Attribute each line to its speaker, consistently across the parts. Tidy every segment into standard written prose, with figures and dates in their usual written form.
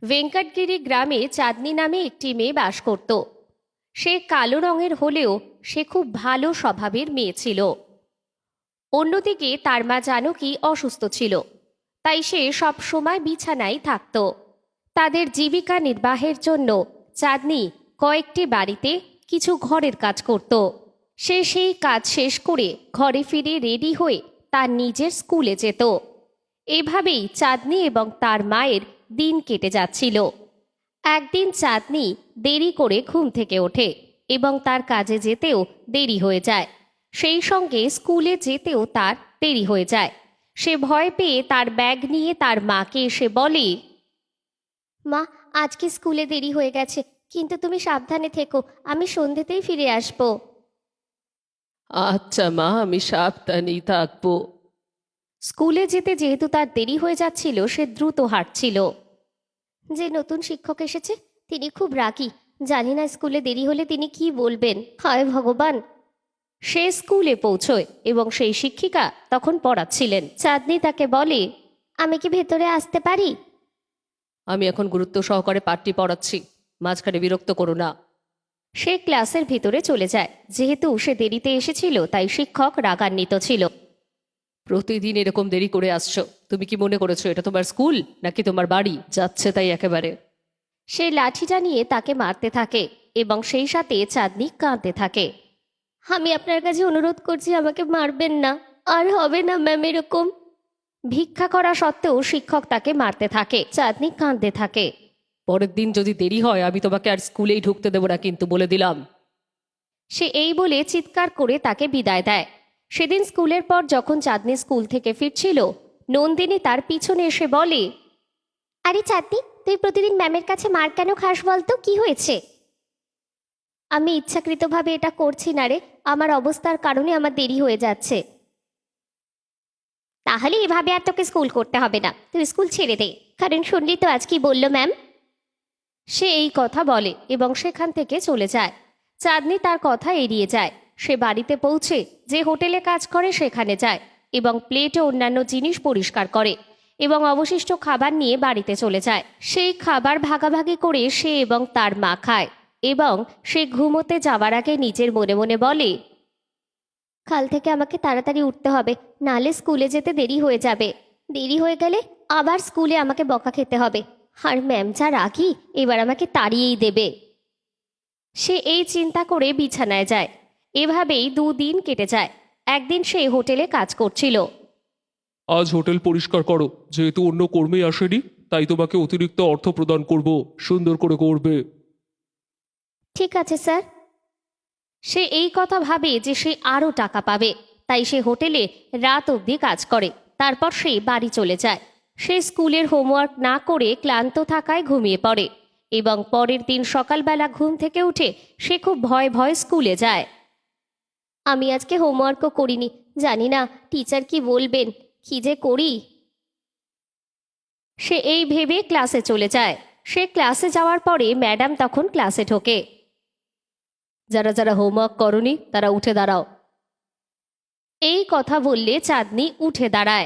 Speaker 1: ভেঙ্কটগিরি গ্রামে চাঁদনি নামে একটি মেয়ে বাস করত। সে কালো রঙের হলেও সে খুব ভালো স্বভাবের মেয়ে ছিল। অন্যদিকে তার মা জানকী অসুস্থ ছিল, তাই সে সব সময় বিছানায় থাকত। তাদের জীবিকা নির্বাহের জন্য চাঁদনি কয়েকটি বাড়িতে কিছু ঘরের কাজ করত। সে সেই কাজ শেষ করে ঘরে ফিরে রেডি হয়ে তার নিজের স্কুলে যেত। এভাবেই চাঁদনি এবং তার মায়ের দিন কেটে যাচ্ছিল। একদিন চাঁদনি দেরি করে ঘুম থেকে ওঠে এবং তার কাজে যেতেও দেরি হয়ে যায়। সেই সঙ্গে স্কুলে যেতেও তার দেরি হয়ে যায়। সে ভয় পেয়ে তার ব্যাগ নিয়ে তার মাকে এসে বলে, মা, আজকে স্কুলে দেরি হয়ে গেছে, কিন্তু তুমি সাবধানে থেকো, আমি সন্ধ্যেতেই ফিরে আসবো।
Speaker 2: আচ্ছা মা, আমি সাবধানেই থাকবো।
Speaker 1: স্কুলে যেতে যেহেতু তার দেরি হয়ে যাচ্ছিল, সে দ্রুত হাঁটছিল। যে নতুন শিক্ষক এসেছে তিনি খুব রাগী, জানি না স্কুলে দেরি হলে তিনি কি বলবেন, হায় ভগবান। সে স্কুলে পৌঁছয় এবং সেই শিক্ষিকা তখন পড়াচ্ছিলেন। চাঁদনি তাকে বলে, আমি কি ভেতরে আসতে পারি?
Speaker 2: আমি এখন গুরুত্ব সহকারে পাঠটি পড়াচ্ছি, মাঝখানে বিরক্ত করো না।
Speaker 1: সে ক্লাসের ভিতরে চলে যায়। যেহেতু সে দেরিতে এসেছিল তাই শিক্ষক রাগান্বিত ছিল।
Speaker 2: প্রতিদিন এরকম দেরি করে আসছো, তুমি কি মনে করেছো এটা তোমার স্কুল নাকি তোমার বাড়ি? যাচ্ছে তাই একেবারে।
Speaker 1: সে লাঠিটা নিয়ে তাকে মারতে থাকে এবং সেই সাথে চাঁদনি কাঁদতে থাকে। আমি আপনার কাছে অনুরোধ করছি, আমাকে মারবেন না, আর হবে না ম্যাম এরকম। ভিক্ষা করা সত্ত্বেও শিক্ষক তাকে মারতে থাকে। চাঁদনি কাঁদতে থাকে।
Speaker 2: পরের দিন যদি দেরি হয় আমি তোমাকে আর স্কুলেই ঢুকতে দেবো না, কিন্তু বলে দিলাম।
Speaker 1: সে এই বলে চিৎকার করে তাকে বিদায় দেয়। সেদিন স্কুলের পর যখন চাঁদনি স্কুল থেকে ফিরছিল, নন্দিনী তার পিছনে এসে বলে, আরে চাঁদনি, তুই প্রতিদিন ম্যামের কাছে মার কেন খাস বলতো, কি হয়েছে? আমি ইচ্ছাকৃতভাবে এটা করছি না রে, আমার অবস্থার কারণে আমার দেরি হয়ে যাচ্ছে। তাহলে এভাবে আর তোকে স্কুল করতে হবে না, তুই স্কুল ছেড়ে দে, কারণ শুনলি তো আজ কি বললো ম্যাম। সে এই কথা বলে এবং সেখান থেকে চলে যায়। চাঁদনি তার কথা এড়িয়ে যায়। সে বাড়িতে পৌঁছে যে হোটেলে কাজ করে সেখানে যায় এবং প্লেট ও অন্যান্য জিনিস পরিষ্কার করে এবং অবশিষ্ট খাবার নিয়ে বাড়িতে চলে যায়। সেই খাবার ভাগাভাগি করে সে এবং তার মা খায় এবং সে ঘুমোতে যাওয়ার আগে নিজের মনে মনে বলে, কাল থেকে আমাকে তাড়াতাড়ি উঠতে হবে, নালে স্কুলে যেতে দেরি হয়ে যাবে। দেরি হয়ে গেলে আবার স্কুলে আমাকে বকা খেতে হবে, আর ম্যাম যা রাগি, এবার আমাকে তাড়িয়েই দেবে। সে এই চিন্তা করে বিছানায় যায়। এভাবেই 2 দিন কেটে যায়। একদিন সে হোটেলে কাজ করছিল।
Speaker 3: আজ হোটেল পরিষ্কার করো, যেহেতু অন্য কর্মী আসেনি তাই তোমাকে অতিরিক্ত অর্থ প্রদান করব, সুন্দর করে করবে।
Speaker 1: ঠিক আছে স্যার। সে এই কথা ভাবে যে সে আরও টাকা পাবে, তাই সে হোটেলে রাত অবধি কাজ করে। তারপর সে বাড়ি চলে যায়। সে স্কুলের হোমওয়ার্ক না করে ক্লান্ত থাকায় ঘুমিয়ে পড়ে এবং পরের দিন সকালবেলা ঘুম থেকে উঠে সে খুব ভয়ে ভয়ে স্কুলে যায়। আমি আজকে হোমওয়ার্কও করিনি, জানি না টিচার কি বলবেন, কি যে করি। সে এই ভেবে ক্লাসে চলে যায়। সে ক্লাসে যাওয়ার পরে ম্যাডাম তখন ক্লাসে ঢোকে।
Speaker 2: যারা যারা হোমওয়ার্ক করনি তারা উঠে দাঁড়াও।
Speaker 1: এই কথা বললে চাঁদনি উঠে দাঁড়ায়।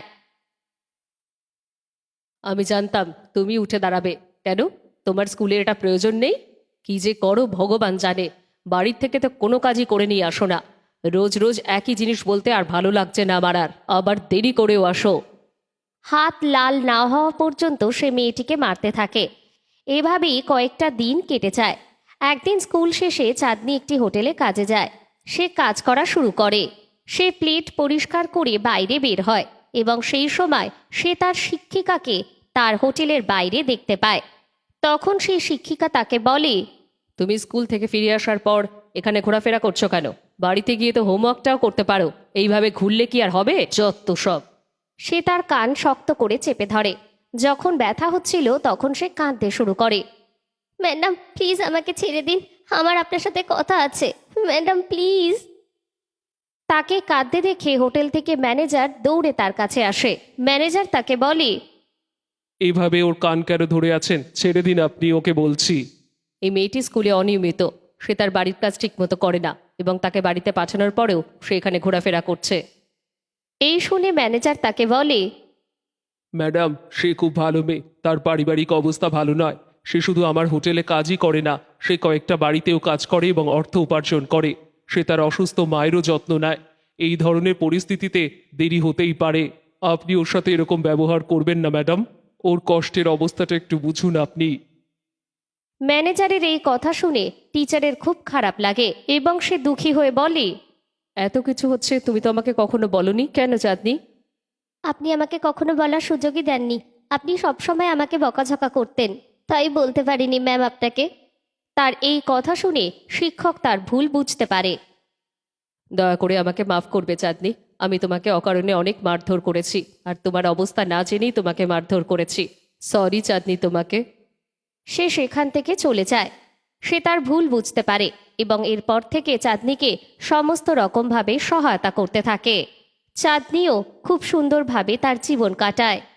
Speaker 2: আমি জানতাম তুমি উঠে দাঁড়াবে। কেন, তোমার স্কুলের এটা প্রয়োজন নেই? কি যে করো ভগবান জানে। বাড়ির থেকে তো কোনো কাজই করে নিয়ে আসো না। রোজ রোজ একই জিনিস বলতে আর ভালো লাগছে না আমার, আর আবার দেরি করেও আসো।
Speaker 1: হাত লাল না হওয়া পর্যন্ত সে মেয়েটিকে মারতে থাকে। এভাবেই কয়েকটা দিন কেটে যায়। একদিন স্কুল শেষে চাঁদনি একটি হোটেলে কাজে যায়। সে কাজ করা শুরু করে। সে প্লেট পরিষ্কার করে বাইরে বের হয় এবং সেই সময় সে তার শিক্ষিকাকে তার হোটেলের বাইরে দেখতে পায়। তখন সেই শিক্ষিকা তাকে বলে,
Speaker 2: তুমি স্কুল থেকে ফিরে আসার পর এখানে ঘোরাফেরা করছো কেন? বাড়িতে গিয়ে তো হোমওয়ার্কটাও করতে পারো, এইভাবে ঘুরলে কি আর হবে? যত সব।
Speaker 1: সে তার কান শক্ত করে চেপে ধরে। যখন ব্যথা হচ্ছিল তখন সে কাঁদতে শুরু করে। ম্যাডাম প্লিজ আমাকে ছেড়ে দিন, আমার আপনার সাথে কথা আছে, ম্যাডাম প্লিজ। তাকে কাঁদতে দেখে হোটেল থেকে ম্যানেজার দৌড়ে তার কাছে আসে। ম্যানেজার তাকে বলে,
Speaker 3: এইভাবে ওর কান কেন ধরে আছেন? ছেড়ে দিন আপনি, ওকে বলছি।
Speaker 2: এই মেয়েটি স্কুলে অনিয়মিত। সে তার বাড়ির কাজ ঠিকমতো করে না এবং তাকে বাড়িতে পাঠানোর পরেও সে এখানে ঘোরাফেরা করছে।
Speaker 1: এই শুনে ম্যানেজার তাকে বলে,
Speaker 3: ম্যাডাম, সে খুব ভালো মেয়ে, তার পারিবারিক অবস্থা ভালো নয়, সে শুধু আমার হোটেলে কাজই করে না, সে কয়েকটা বাড়িতেও কাজ করে এবং অর্থ উপার্জন করে। সে তার অসুস্থ মায়েরও যত্ন নেয়। এই ধরনের পরিস্থিতিতে দেরি হতেই পারে। আপনি ওর সাথে এরকম ব্যবহার করবেন না ম্যাডাম। ওর কষ্টের অবস্থাটা একটু বুঝুন আপনি।
Speaker 1: ম্যানেজারের এই কথা শুনে টিচারের খুব খারাপ লাগে এবং সে দুঃখী হয়ে বলে,
Speaker 2: এত কিছু হচ্ছে, তুমি তো আমাকে কখনো বলনি কেন চাঁদনি?
Speaker 1: আপনি আমাকে কখনো বলার সুযোগই দেননি। আপনি সবসময় আমাকে বকাঝকা করতেন, তাই বলতে পারিনি ম্যাম আপনাকে। তার এই কথা শুনে শিক্ষক তার ভুল বুঝতে পারে।
Speaker 2: দয়া করে আমাকে মাফ করবে চাঁদনি। আমি তোমাকে অকারণে অনেক মারধর করেছি, আর তোমার অবস্থা না জেনেই তোমাকে মারধর করেছি। সরি চাঁদনি তোমাকে।
Speaker 1: সে সেখান থেকে চলে যায়। সে তার ভুল বুঝতে পারে এবং এরপর থেকে চাঁদনিকে সমস্ত রকমভাবে সহায়তা করতে থাকে। চাঁদনিও খুব সুন্দরভাবে তার জীবন কাটায়।